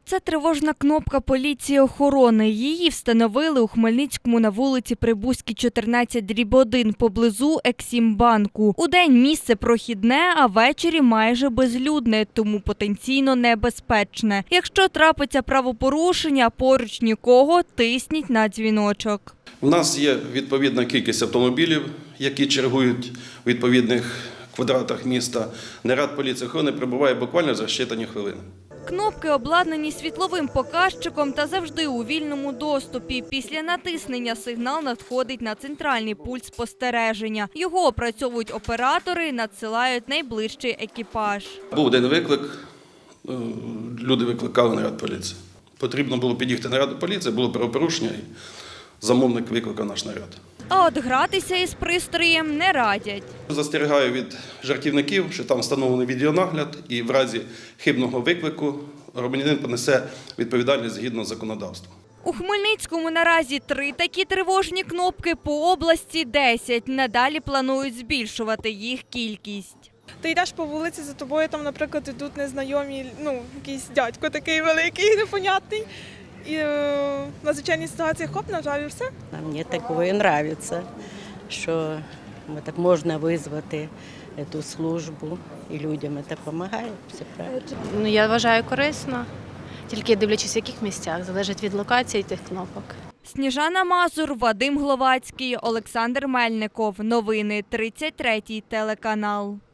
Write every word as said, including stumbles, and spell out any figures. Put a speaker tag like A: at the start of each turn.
A: Це тривожна кнопка поліції охорони. Її встановили у Хмельницькому на вулиці Прибузькій, чотирнадцять дріб один, поблизу Ексімбанку. Удень місце прохідне, а ввечері майже безлюдне, тому потенційно небезпечне. Якщо трапиться правопорушення, поруч нікого, тисніть на дзвіночок.
B: У нас є відповідна кількість автомобілів, які чергують у відповідних квадратах міста. Наряд поліції охорони прибуває буквально за щитані хвилини.
A: Кнопки обладнані світловим показчиком та завжди у вільному доступі. Після натиснення сигнал надходить на центральний пульт спостереження. Його опрацьовують оператори і надсилають найближчий екіпаж.
B: Був один виклик, люди викликали наряд поліції. Потрібно було під'їхати наряду поліції, було правопорушення і замовник викликав наш наряд.
A: А от гратися із пристроєм не радять.
B: Застерігаю від жартівників, що там встановлений відеонагляд і в разі хибного виклику громадянин понесе відповідальність згідно законодавства.
A: У Хмельницькому наразі три такі тривожні кнопки, по області десять. Надалі планують збільшувати їх кількість.
C: Ти йдеш по вулиці, за тобою там, наприклад, йдуть незнайомі, ну, якийсь дядько такий великий, непонятний. І е, в надзвичайній ситуації хоп, на жаль, все.
D: Мені такое подобається, що так можна визвати цю службу і людям це допомагає. Все правильно.
E: Ну, я вважаю корисно, тільки дивлячись в яких місцях, залежить від локації тих кнопок.
A: Сніжана Мазур, Вадим Гловацький, Олександр Мельников. Новини тридцять третій телеканал.